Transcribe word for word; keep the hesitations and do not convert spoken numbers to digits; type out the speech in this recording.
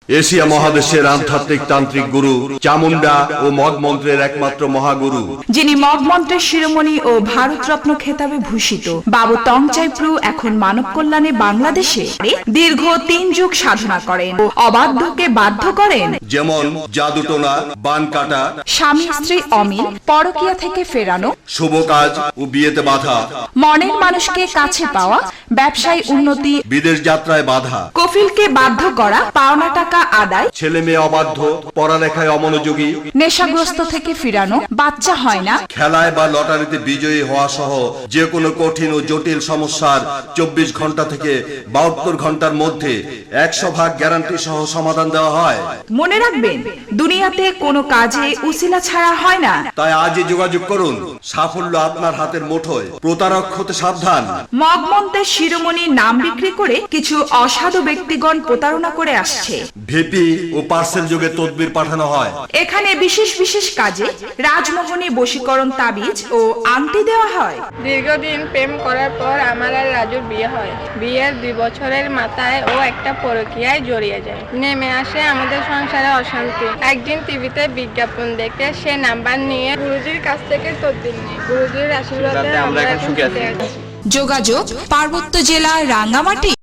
Asia মহাদেশের আধ্যাত্মিক তান্ত্রিক গুরু চামুন্ডা ও মগ মন্ত্রের একমাত্র মহাগুরু, যিনি মগ মন্ত্রের শিরোমণি ও ভারতরত্ন খেতাবে ভূষিত বাবু তংচাই প্রু এখন মানব কল্যাণে বাংলাদেশে দীর্ঘ তিন যুগ সাধনা করেন ও অবাধ্যকে বাধ্য করেন। যেমন জাদুটোনা, বান কাটা, স্বামী স্ত্রী অমিল, পরকীয়া থেকে ফেরানো, শুভ কাজ ও বিয়েতে বাধা, মনের মানুষকে কাছে পাওয়া, ব্যবসায় উন্নতি, বিদেশ যাত্রায় বাধা, কফিলকে বাধ্য করা, পাওনা টাকা আদায়, ছেলে মেয়ে অবাধ্য, পড়ালেখায় অমনোযোগী, নেশাগ্রস্ত থেকে ফিরানো, বাচ্চা হয় না, খেলায় বা লটারিতে বিজয়ী হওয়া সহ যে কোনো কঠিন ও জটিল সমস্যার চব্বিশ ঘন্টা থেকে বাহাত্তর ঘন্টার মধ্যে একশো ভাগ গ্যারান্টি সহ সমাধান দেওয়া হয়। মনে রাখবেন, দুনিয়াতে কোনো কাজে উসিলা ছাড়া হয় না। তাই আজই যোগাযোগ করুন, সাফল্য আপনার হাতের মুঠোয়, প্রতারক হতে সাবধান। মগ মন্ত্রের শিরোমণি নাম বিক্রি করে কিছু অসাধু ব্যক্তিগণ প্রতারণা করে আসছে। ভিপি ও পার্সেল যোগে তদবির পাঠানো হয়। এখানে বিশেষ বিশেষ কাজে রাজমোহনী বশীকরণ তাবিজ ও আংটি দেওয়া হয়। দীর্ঘদিন প্রেম করার পর আমার আর রাজুর বিয়ে হয়। বিয়ের দুই বছরের মাথায় ও একটা পরকীয়ায় জড়িয়ে যায়। নেমে আসে আমাদের সংসারে অশান্তি। একদিন টিভিতে বিজ্ঞাপন দেখে সে নাম্বার নিয়ে গুরুজির কাছ থেকে তদবির নিই। গুরুজির আশীর্বাদে আমরা এখন সুখে আছি। যোগাযোগ পার্বত্য জেলা রাঙ্গামাটি।